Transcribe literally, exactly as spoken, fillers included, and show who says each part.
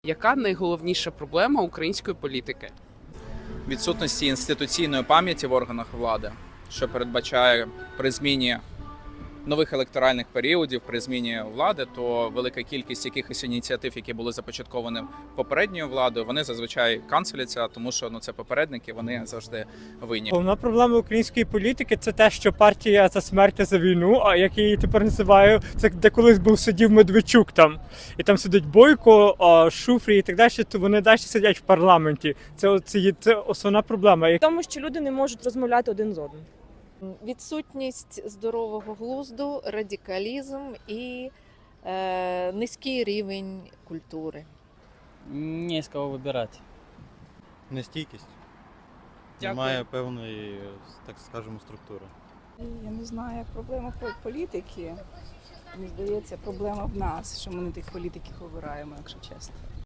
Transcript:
Speaker 1: Яка найголовніша проблема української політики?
Speaker 2: Відсутності інституційної пам'яті в органах влади, що передбачає при зміні нових електоральних періодів, при зміні влади, то велика кількість якихось ініціатив, які були започатковані попередньою владою, вони зазвичай канцеляться, тому що ну це попередники, вони завжди винні.
Speaker 3: Головна проблема української політики – це те, що партія за смерть та за війну, а як я її тепер називаю, це де колись був сидів Медведчук там, і там сидить Бойко, Шуфрій і так далі, то вони далі сидять в парламенті. Це, це, це основна проблема.
Speaker 4: Тому що люди не можуть розмовляти один з одним.
Speaker 5: Відсутність здорового глузду, радикалізм і е, низький рівень культури.
Speaker 6: Не з кого вибирати.
Speaker 7: Нестійкість.
Speaker 1: Дякую.
Speaker 7: Немає певної, так скажемо, структури.
Speaker 8: Я не знаю, як проблема політики. Мені здається, проблема в нас, що ми не тих політиків обираємо, якщо чесно.